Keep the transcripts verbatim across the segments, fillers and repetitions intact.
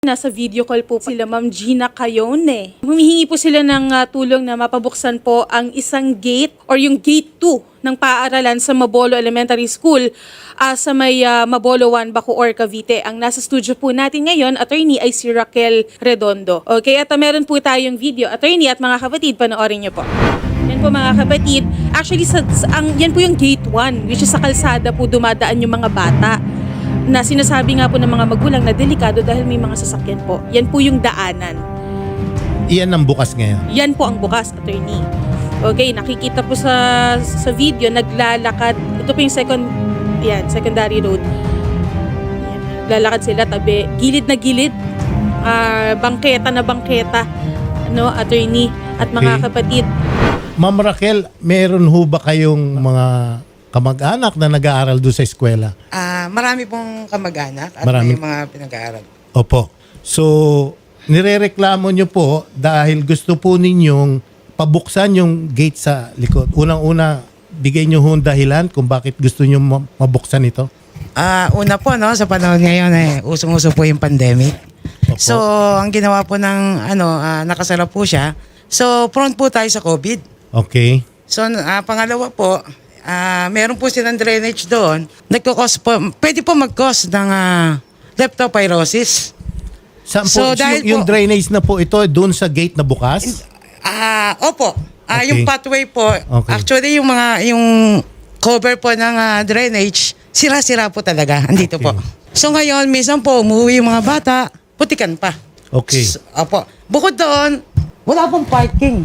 Nasa video call po sila Ma'am Gina Cayone. Humihingi po sila ng uh, tulong na mapabuksan po ang isang gate or yung gate two ng paaralan sa Mabolo Elementary School uh, sa may uh, Mabolo one, Bacoor, Cavite. Ang nasa studio po natin ngayon, attorney, ay si Raquel Redondo. Okay, at uh, meron po tayong video. Attorney at mga kapatid, panoorin niyo po. Yan po mga kapatid. Actually, sa, sa, ang, yan po yung gate one, which is sa kalsada po dumadaan yung mga bata na sinasabi nga po ng mga magulang na delikado dahil may mga sasakyan po. Yan po yung daanan. Iyan ang bukas ngayon. Yan po ang bukas, attorney. Okay, nakikita po sa sa video, naglalakad. Ito po yung second, yan, secondary road. Yan, lalakad sila tabi, gilid na gilid. Uh, bangketa na bangketa. Ano, attorney at mga Okay. kapatid. Ma'am Raquel, meron ho ba kayong mga kamag-anak na nag-aaral doon sa eskwela? Ah, marami pong kamag-anak at Marami. may mga pinag-aaral. Opo. So, nirereklamo nyo po dahil gusto po ninyong pabuksan yung gate sa likod. Unang-una, bigay nyo ho ang dahilan kung bakit gusto nyo ma- mabuksan ito. Ah, una po no, sa panahon ngayon eh usong-uso po yung pandemic. Opo. So, ang ginawa po ng ano, ah, nakasara po siya. So, prone po tayo sa COVID. Okay. So, ah, pangalawa po, ah, meron po silang drainage doon. Nagko-cause po, pwede po mag-cause ng ah, leptospirosis. Saan po, So, dahil yung, yung po- drainage na po ito, doon sa gate na bukas? Ah, opo. Ah, Okay. yung pathway po, Okay. actually yung mga yung cover po ng ah, drainage, sira-sira po talaga. Andito Okay. po. So ngayon, minsan po umuwi yung mga bata, putikan pa. Okay. S- opo. Bukod doon, wala pong parking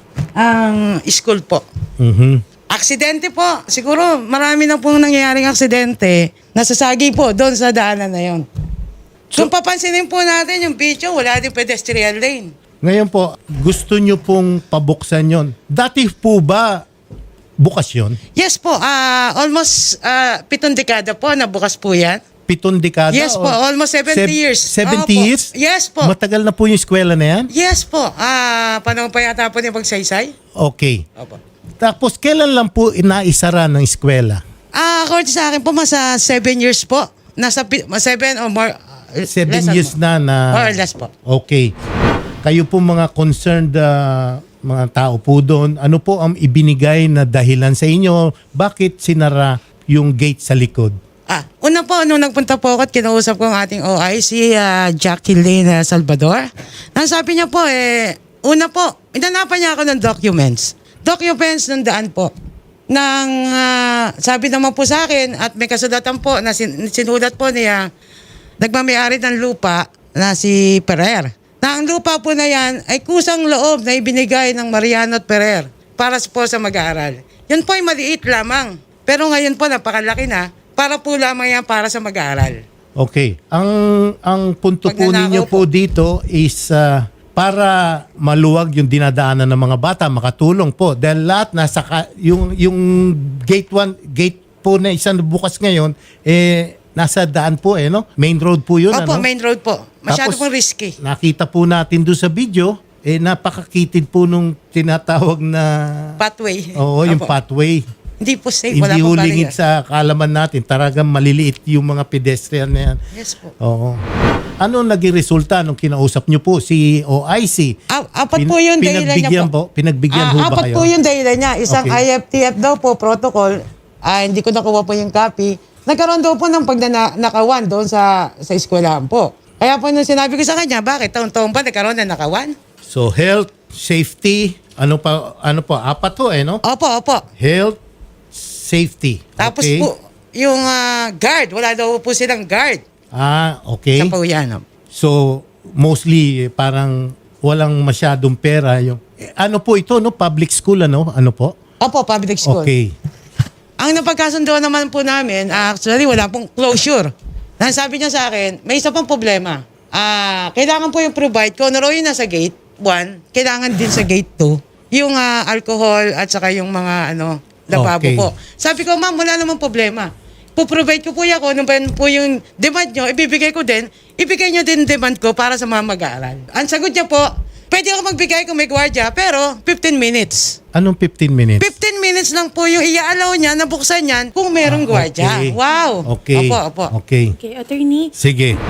ang school po. Mhm. Aksidente po. Siguro marami na pong nangyayaring aksidente. Nasasagi po doon sa daanan na yon. Kung papansinin po natin yung video, wala din pedestrian lane. Ngayon po, gusto nyo pong pabuksan yon. Dati po ba bukas yun? Yes po, ah almost ah, pitong dekada po na bukas po yan. Pitong dekada? Yes po, o- almost seventy Seb- years. seventy Opo. years? Yes po. Matagal na po yung eskwela na yan? Yes po, ah panahon pa yata po yung pagsaysay. Okay. Opo. Tapos kailan lang po inaisara ng eskwela? Ah, according sa akin po, masa seven years po. Nasa pi- ma- seven or more. uh, Seven less years or na na... More or less po. Okay. Kayo po mga concerned ah, mga tao po doon, ano po ang ibinigay na dahilan sa inyo? Bakit sinara yung gate sa likod? Ah, una po, nung nagpunta po ako at kinausap ko ang ating O I, si ah, Jacqueline ah, Salvador. Nasabi niya po, eh, una po, inanapan niya ako ng documents. Documents ng daan po. Nang ah, sabi naman po sa akin at may kasulatan po na sin- sinulat po niya, nagmamayari ng lupa na si Perer. Na ang lupa po na yan ay kusang loob na ibinigay ng Mariano at Perer para po sa mag-aaral. Yun po ay maliit lamang. Pero ngayon po napakalaki na para po lamang yan para sa mag-aaral. Okay. Ang ang punto po Pagnanakaw ninyo po po. dito is ah, para maluwag yung dinadaanan ng mga bata, makatulong po. Dahil lahat nasa ka- yung yung gate one, gate po na isang bukas ngayon eh nasa daan po eh no? Main road po 'yun Opo, ano? main road po. Masyado Tapos, pong risky. Nakita po natin doon sa video eh napakakitid po nung tinatawag na Pathway. Oo, yung Opo. pathway. Hindi po safe. Wala Hindi pong hulingit barrier. sa kaalaman natin. Talagang maliliit yung mga pedestrian na yan. Yes po. Oo. Ano naging resulta nung kinausap nyo po si O I C? A- apat Pin- po yung dahilan niya pinagbigyan po. po. Pinagbigyan Ah, ho ba apat kayo? po yung dahilan niya. Isang Okay. I F T F daw po, protocol. Ah, hindi ko nakuha po yung copy. Nagkaroon daw po ng pagnanakawan doon sa sa eskwelahan po. Kaya po nung sinabi ko sa kanya, bakit taon-taon pa nagkaroon ng nakawan? So health, safety, ano pa ano po? Apat to eh no? Opo, opo. Health, safety. Tapos Okay. po, yung ah, guard, wala daw po silang guard. Ah, okay. Sa po yan. oh. So mostly eh, parang walang masyadong pera yung eh, ano po ito no? Public school ano? Ano po? Opo, public school. Okay. Ang napagkasundo naman po namin, actually wala pong closure. Sabi niya sa akin, may isa pang problema. Ah, kailangan po yung provide ko, naroon yun nasa gate one, kailangan din sa gate two, yung ah, alcohol at saka yung mga ano, lababo Okay. po. Sabi ko, ma'am, wala namang problema. Po-provide ko po yan, kung ano ba yun po yung demand nyo, ibibigay ko din, ibigay nyo din demand ko para sa mga mag-aaral. Ang sagot niya po, pwede ako magbigay kung may gwardiya, pero fifteen minutes. Anong fifteen minutes? fifteen minutes lang po yung i-allow niya na buksan yan kung merong Ah, gwardiya. okay. Wow. Okay. Opo, opo. Okay. Okay, attorney. Sige.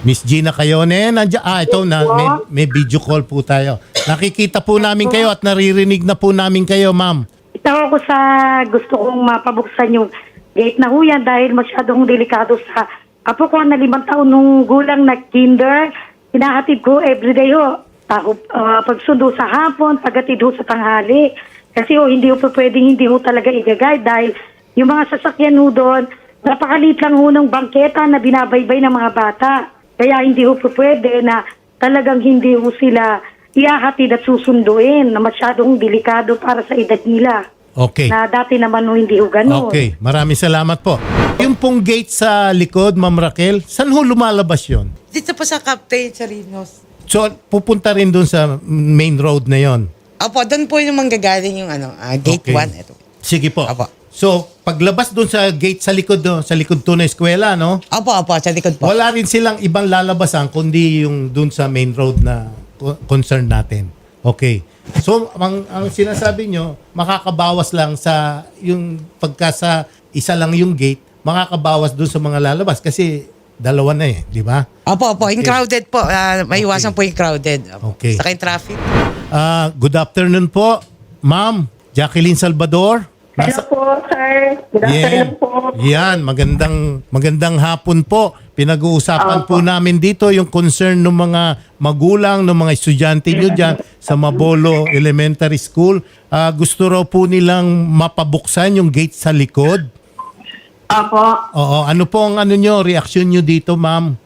Miss Gina Cayone, nandiyan. Ah, ito na, may, may video call po tayo. Nakikita po namin kayo at naririnig na po namin kayo, ma'am. Ito ako sa gusto kong mapabuksan yung gate na huyan dahil masyadong delikado sa apo ko na limang taon nung gulang na kinder. Hinahatid ko everyday ho. Tako, uh, pagsundo sa hapon, paghatid ho sa tanghali. Kasi ho, hindi ho po pwedeng hindi ho talaga i-guide dahil yung mga sasakyan ho doon, napakalit lang ho ng bangketa na binabaybay ng mga bata. Kaya hindi ho po pwede na talagang hindi ho sila ihahatid at susunduin na masyadong delikado para sa edad nila. Okay. Na dati naman ho hindi ho ganun. Okay, maraming salamat po. Yung pong gate sa likod, Ma'am Raquel, saan ho lumalabas yon? Dito po sa Captain Charinos. So, pupunta rin dun sa main road na yon. Opo, doon po yung manggagaling yung ano, ah, gate Okay. one. Ito. Sige po. Apo. So, paglabas dun sa gate sa likod, do, sa likod to na eskwela, no? Opo, opo, sa likod po. Wala rin silang ibang lalabasan kundi yung dun sa main road na co- concern natin. Okay. So, ang, ang sinasabi nyo, makakabawas lang sa yung pagka sa isa lang yung gate, makakabawas dun sa mga lalabas kasi dalawa na eh, di ba? Opo, opo, yung crowded po. Ah, may iwasan po yung crowded. Opo. Okay. Saka yung traffic. Ah, good afternoon po, Ma'am Jacqueline Salvador. Hello po, sir. Good afternoon Yeah. po. Yan, magandang magandang hapon po. Pinag-uusapan po namin dito yung concern ng mga magulang, ng mga estudyante nyo dyan sa Mabolo Elementary School. Ah, gusto raw po nilang mapabuksan yung gate sa likod. Opo. Oo, ano po ang ano nyo, reaksyon nyo dito, ma'am?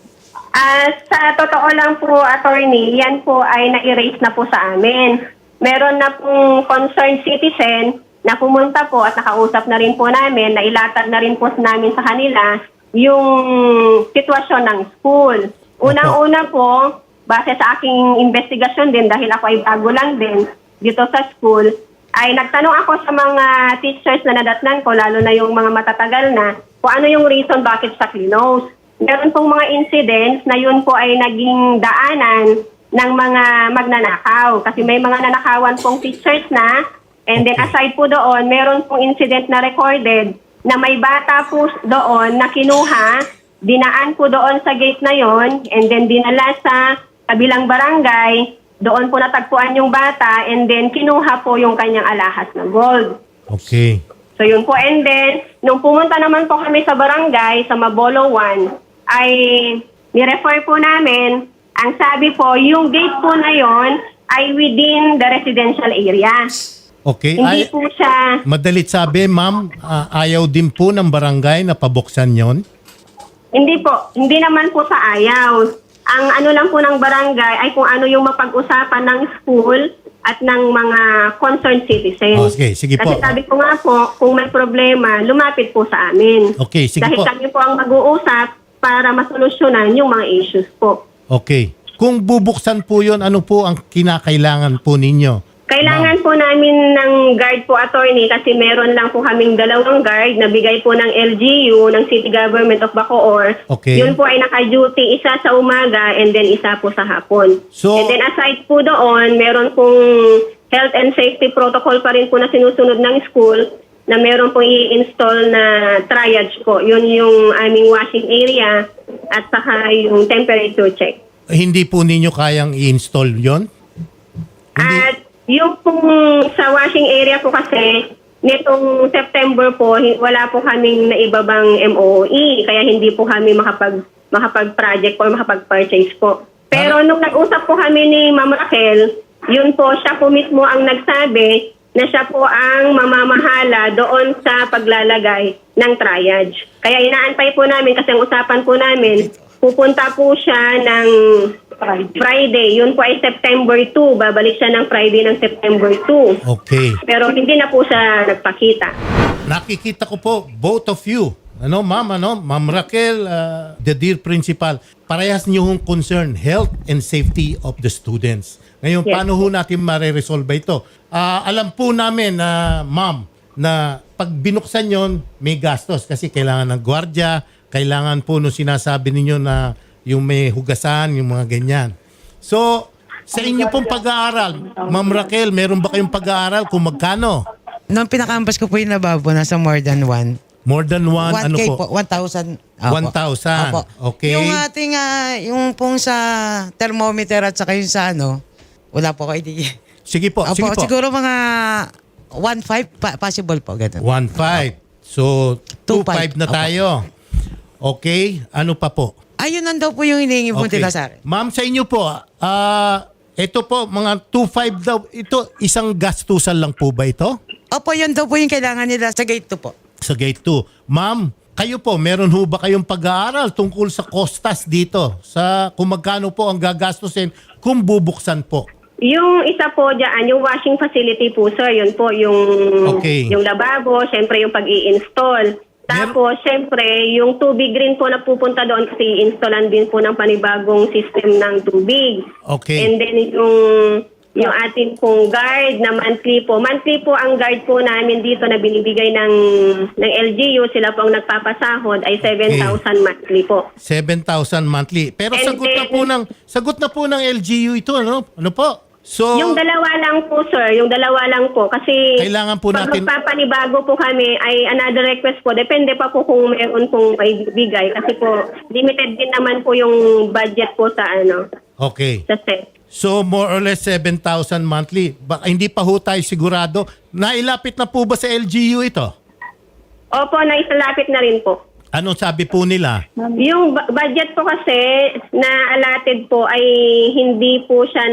Ah, sa totoo lang po, attorney, yan po ay na-erase na po sa amin. Meron na pong concerned citizen na pumunta po at nakausap na rin po namin, na ilatag na rin po namin sa kanila yung sitwasyon ng school. Unang-una po, base sa aking investigasyon din, dahil ako ay bago lang din dito sa school, ay nagtanong ako sa mga teachers na nadatnan ko, lalo na yung mga matatagal na, kung ano yung reason bakit sa close. Meron pong mga incidents na yun po ay naging daanan ng mga magnanakaw. Kasi may mga nanakawan pong teachers na, and then aside po doon, meron pong incident na recorded na may bata po doon na kinuha, dinaan po doon sa gate na yon, and then dinala sa kabilang barangay, doon po natagpuan yung bata, and then kinuha po yung kanyang alahas na gold. Okay. So yun po, and then, nung pumunta naman po kami sa barangay, sa Mabolo one, ay nirefer po namin, ang sabi po, yung gate po na yon ay within the residential area. Okay. Hindi Ay, po siya, madalit sabi, ma'am, ah, ayaw din po ng barangay na pabuksan yon. hindi po, hindi naman po sa ayaw. Ang ano lang po ng barangay ay kung ano yung mapag-usapan ng school at ng mga concerned citizens. Oh, sige, sige po. Kasi sabi ko nga po, kung may problema, lumapit po sa amin. Okay, sige Dahil po. kami po ang mag-uusap para masolusyonan yung mga issues po. Okay. Kung bubuksan po yon, ano po ang kinakailangan po ninyo? Kailangan po namin ng guard po, attorney, kasi meron lang po kaming dalawang guard na bigay po ng L G U, ng City Government of Bacoor. Okay. Yun po ay naka-duty, isa sa umaga and then isa po sa hapon. So- and then aside po doon, meron pong health and safety protocol pa rin po na sinusunod ng school, na meron pong i-install na triage po. Yun yung aming washing area at saka yung temperature check. Hindi po ninyo kayang i-install yon? Hindi. At yung pong sa washing area po kasi, nitong September po, hi- wala po kaming naibabang M O E, kaya hindi po kami makapag, makapag-project or makapag-purchase po. Pero nung nag-usap po kami ni Ma'am Raquel, yun po, siya po mismo ang nagsabi na siya po ang mamamahala doon sa paglalagay ng triage. Kaya inaantay po namin kasi ang usapan po namin, pupunta po siya ng Friday. Yun po ay September two. Babalik siya ng Friday ng September two. Okay. Pero hindi na po siya nagpakita. Nakikita ko po, both of you, ano, ma'am, ano, Ma'am Raquel, uh, the dear principal, parehas niyo hong concern, health and safety of the students. Ngayon, Yes. paano ho natin mareresolve ito? Ah, alam po namin na, ma'am, na pag binuksan yon may gastos kasi kailangan ng gwardiya, kailangan po no sinasabi ninyo na yung may hugasan, yung mga ganyan. So, sa inyo pong pag-aaral, Ma'am Raquel, meron ba kayong pag-aaral kung magkano? Nung pinakaampas ko po yung lababo, nasa more than one. More than one, one ano K po? po, one thousand. Opo. one thousand. Opo. Okay. Yung ating, ah, yung pong sa thermometer at saka yung sa ano, wala po ko idea. Sige po, Opo, sige po. siguro mga one five pa- possible po, ganun. one five. So, two Two five five. na Opo. tayo. Okay, ano pa po? Ayun nandun po yung hinihingi po nila sa akin. Ma'am, sa inyo po, ah, ito po, mga two five daw, ito, isang gastusan lang po ba ito? Opo, yun daw po yung kailangan nila sa gate two po. Sa gate two. Ma'am, kayo po, meron ho ba kayong pag-aaral tungkol sa costas dito? Sa kung magkano po ang gagastusin kung bubuksan po? Yung isa po dyan, yung washing facility po, sir, yun po, yung, Okay. yung lababo, syempre yung pag-i-install. Tapos, syempre, yung tubig rin po na pupunta doon kasi i-installan din po ng panibagong system ng tubig. Okay. And then, yung, yung ating pong guard na monthly po. Monthly po ang guard po namin dito na binibigay ng, ng L G U. Sila po ang nagpapasahod ay seven thousand monthly po. seven thousand monthly. Pero And sagot na then- po ng sagot na po ng L G U ito, ano? Ano po? So Yung dalawa lang po, sir. Yung dalawa lang po. Kasi Kailangan po pag natin- magpapanibago po kami, ay another request po. Depende pa po kung mayroon pong ibigay. Kasi po, limited din naman po yung budget po sa ano, okay. sa set. So more or less seven thousand monthly. Baka hindi pa ho tayo sigurado. Nailapit na po ba sa L G U ito? Opo, naisalapit na rin po. Anong sabi po nila? Yung bu- budget po kasi na allotted po ay hindi po siya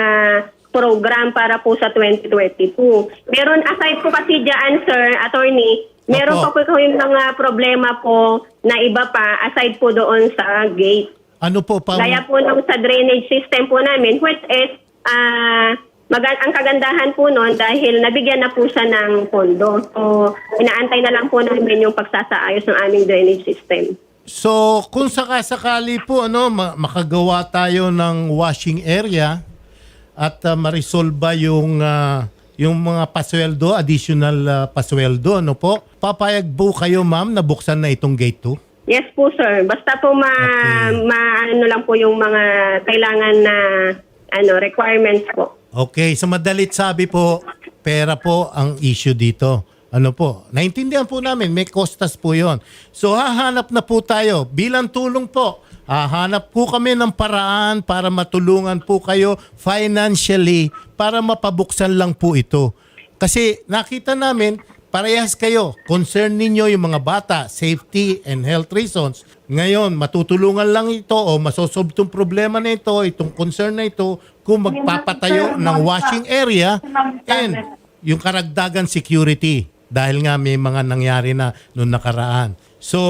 naka-program para po sa twenty twenty-two. Meron aside po kasi dyan, sir, attorney, meron Opo. pa po yung mga problema po na iba pa aside po doon sa gate. Ano po pa? Gaya po nung sa drainage system po namin, which is, ah, maga- ang kagandahan po noon dahil nabigyan na po siya ng pondo. So, inaantay na lang po namin yung pagsasaayos ng aming drainage system. So kung sakasakali po ano ma- makagawa tayo ng washing area at uh, marisolba yung ah, yung mga pasweldo, additional ah, pasweldo, ano po? Papayag po kayo, ma'am, na buksan na itong gate two? Yes po, sir. Basta po ma, Okay. ma ano lang po yung mga kailangan na ano requirements po. Okay, sa madalit sabi po, pera po ang issue dito. Ano po? Naintindihan po namin, may costas po yon. So hahanap na po tayo bilang tulong po. Hahanap po kami ng paraan para matulungan po kayo financially para mapabuksan lang po ito. Kasi nakita namin, parehas kayo. Concern ninyo yung mga bata, safety and health reasons. Ngayon, matutulungan lang ito o masosolve itong problema na ito, itong concern na ito, kung magpapatayo ng washing area and yung karagdagan security. Dahil nga may mga nangyari na noong nakaraan. So,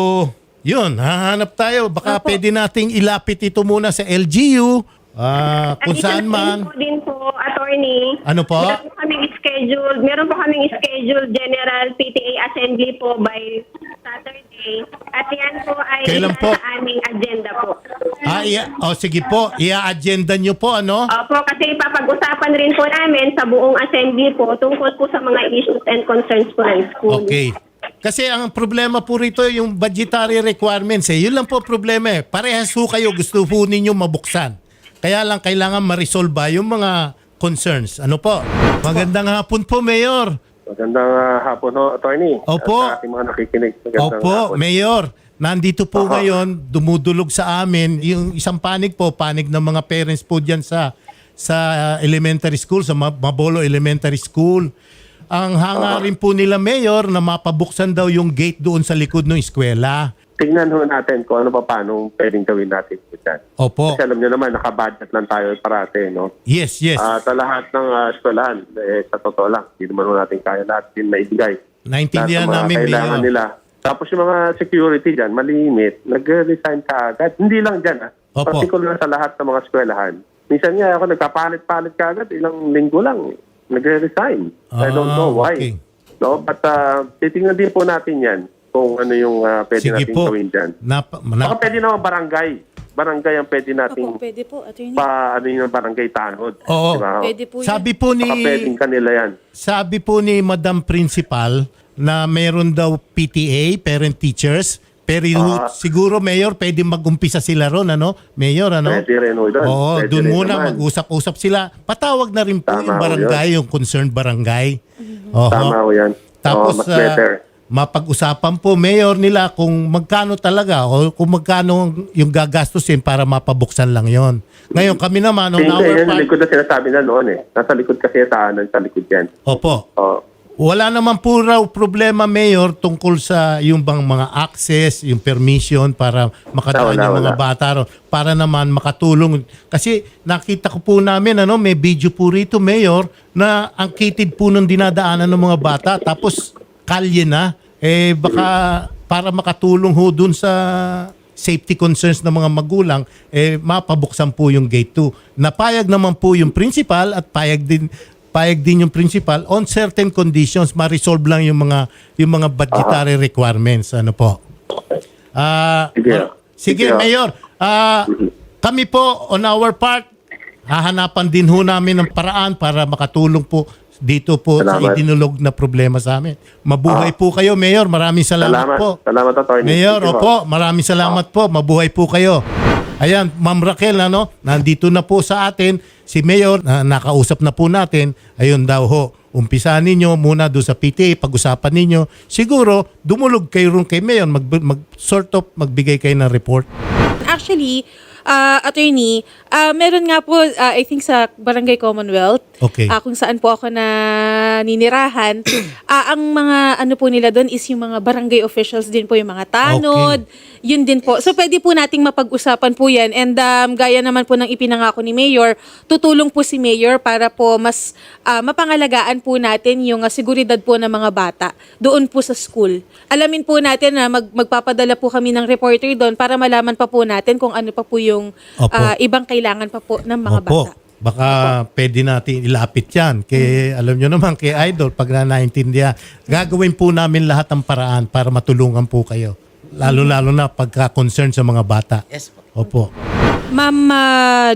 yun, hahanap tayo. Baka pwede nating ilapit ito muna sa L G U, ah, kung At saan isang man. info din po, attorney. Ano po? Meron po kaming scheduled, meron po kaming scheduled general P T A assembly po by Saturday. At yan po ay Kailan isa po? sa aming agenda po. Ah, iya, oh, sige po, ia-agenda nyo po, ano? Opo, kasi papag-usapan rin po namin sa buong assembly po tungkol po sa mga issues and concerns po ng school. Okay. Kasi ang problema po rito yung budgetary requirements eh. Yun lang po problema eh. Parehas po kayo gusto po ninyo mabuksan. Kaya lang kailangan ma-resolve yung mga concerns. Ano po? Magandang hapon po, Mayor. Magandang uh, hapon ho, attorney. Opo. At sa ating mga nakikinig. Magandang Opo, hapon. Mayor. Nandito po Aha. ngayon, dumudulog sa amin, yung isang panig po, panig ng mga parents po dyan sa sa uh, elementary school, sa Ma- Mabolo Elementary School. Ang hangarin po nila, Mayor, na mapabuksan daw yung gate doon sa likod ng eskwela. Tingnan ho natin kung ano pa paano pwedeng gawin natin dyan. Opo. Kasi alam nyo naman, nakabudget lang tayo parate, no? Yes, yes. At sa lahat ng uh, eskwelahan, eh, sa totoo lang, hindi naman ho natin kaya lahat din maibigay. Naintindihan Lahat ng mga namin, kailangan Mayor. nila. Tapos yung mga security dyan, malimit, nag-resign ka agad. Hindi lang dyan, ah. Opo. Particular sa lahat ng mga eskwelahan. Minsan nga ako nagkapalit-palit ka agad, ilang linggo lang, nagre-resign. I don't Ah, know why. okay. No, but uh, titingnan din po natin yan kung ano yung uh, pwede Sige natin po. gawin dyan. Nap, Baka nap, pwede naman barangay. Barangay ang pwede nating Opo, pwede po, attorney. pa ano yung barangay tanod. Oo. Diba? Pwede po yun. sabi po ni Baka pwedeng kanila yan. sabi po ni Madam Principal na meron daw P T A, parent teachers, pero Ah. siguro, Mayor, pwede mag-umpisa sila ron, ano? Mayor, ano? Pwede rin ho doon. Oo, Pwede doon rin muna naman. mag-usap-usap sila. Patawag na rin po Tama yung ho barangay, yung concerned barangay. Oho. Tama ho yan. Tapos, Oo, mas ah, better. mapag-usapan po, Mayor, nila kung magkano talaga o kung magkano yung gagastusin para mapabuksan lang yon. Ngayon, kami naman, on Hindi, our yan sa part, likod na sinasabi na noon eh. Nasa likod kasi yung tahanan, sa likod yan. opo, Oh. wala naman po raw problema, Mayor, tungkol sa yung bang mga access, yung permission para makadaan Wala, yung mga wala. bata ro- para naman makatulong. Kasi nakita ko po namin, ano, may video po rito, Mayor, na ang kitid po nung dinadaanan ng mga bata. Tapos kalye na, eh baka para makatulong ho dun sa safety concerns ng mga magulang, eh mapabuksan po yung gate two. Napayag naman po yung principal at payag din payag din yung principal on certain conditions, ma-resolve lang yung mga yung mga budgetary requirements, ano po. Ah, Sige. ah, sige, Sige. Mayor. Ah, kami po on our part hahanapan din ho namin ng paraan para makatulong po dito po sa Salamat. idinulog na problema sa amin. Mabuhay po kayo, Mayor. Maraming salamat, Salamat. po. Salamat, attorney. Mayor, Sige po. opo, maraming salamat po. Mabuhay po kayo. Ayan, Ma'am Raquel, ano, nandito na po sa atin si Mayor, na nakausap na po natin. Ayun daw ho, umpisahan ninyo muna doon sa P T A, pag-usapan ninyo. Siguro, dumulog kayo rin kay Mayor, mag, mag, sort of magbigay kayo ng report. Actually, uh, attorney, uh, meron nga po, uh, I think sa Barangay Commonwealth, Okay. uh, kung saan po ako na ninirahan, uh, ang mga ano po nila doon is yung mga barangay officials din po, yung mga tanod, yun din po. So pwede po nating mapag-usapan po yan. And um, gaya naman po ng ipinangako ni Mayor, tutulong po si Mayor para po mas uh, mapangalagaan po natin yung uh, seguridad po ng mga bata doon po sa school. Alamin po natin na mag, magpapadala po kami ng reporter doon para malaman pa po natin kung ano pa po yung Opo. uh, ibang kailangan pa po ng mga Opo. bata. Baka pwede natin ilapit yan. Kay, alam nyo naman, kay Idol, pag na naintindihan, gagawin po namin lahat ng paraan para matulungan po kayo. Lalo-lalo na pagka-concern sa mga bata. Yes po. Opo. Ma'am uh,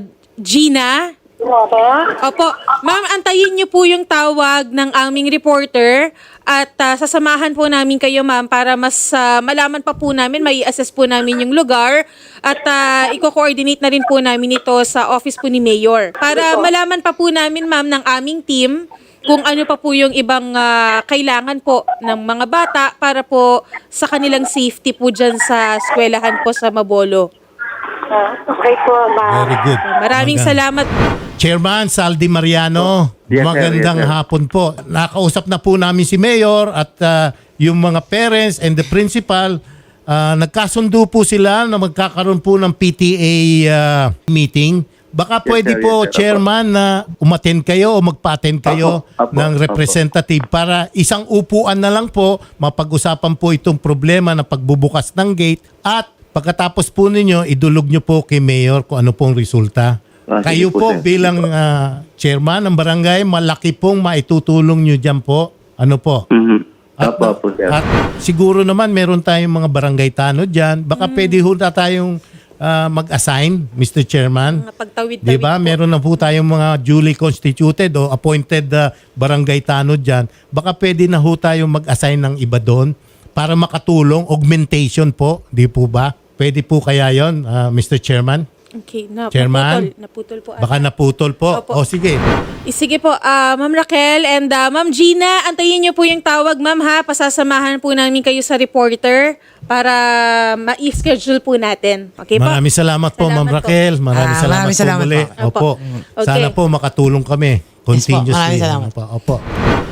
Gina? Opo. Opo. Ma'am, antayin niyo po yung tawag ng aming reporter at uh, sasamahan po namin kayo, ma'am, para mas uh, malaman pa po namin, may assess po namin yung lugar at uh, i-coordinate na rin po namin ito sa office po ni Mayor. Para malaman pa po namin, ma'am, ng aming team kung ano pa po yung ibang uh, kailangan po ng mga bata para po sa kanilang safety po dyan sa eskwelahan po sa Mabolo. Ah, okay po, ma'am. Very good. Maraming Maganda. salamat. Chairman Saldi Mariano, Yes, sir. magandang Yes, sir. hapon po. Nakausap na po namin si Mayor at uh, yung mga parents and the principal. Uh, nagkasundo po sila na magkakaroon po ng P T A uh, meeting. Baka Yes, pwede sir. po, Yes, sir. Chairman, na umattend kayo o magpa-attend kayo Apo, apo, ng apo. representative para isang upuan na lang po, mapag-usapan po itong problema ng pagbubukas ng gate at pagkatapos po ninyo, idulog nyo po kay Mayor kung ano pong resulta. Ah, sige Kayo po, po, sir. bilang ah, chairman ng barangay, malaki pong maitutulong nyo dyan po. Ano po? Mhm. At, Apo, apo, sir. at siguro naman meron tayong mga barangay tanod dyan. Baka pwede ho na tayong ah, mag-assign, Mister Chairman. Mga pagtawid-tawid Di ba? po. Meron na po tayong mga duly constituted o appointed ah, barangay tanod dyan. Baka pwede na ho tayong mag-assign ng iba doon para makatulong, augmentation po. Di po ba? Pwede po kaya yon, ah, Mister Chairman? Okay, na, Chairman? naputol, naputol po. Baka ata. naputol po. Opo. O sige. Eh, Sige po, ah, Ma'am Raquel and ah, Ma'am Gina, antayin niyo po yung tawag, Ma'am, ha? Pasasamahan po namin kayo sa reporter para ma-schedule po natin. Okay po? Maraming salamat po, Salamat Ma'am po. Raquel. Maraming Ah, salamat maraming po salamat muli. po. Opo. Okay. Sana po makatulong kami continuously. maraming salamat. Opo. Opo.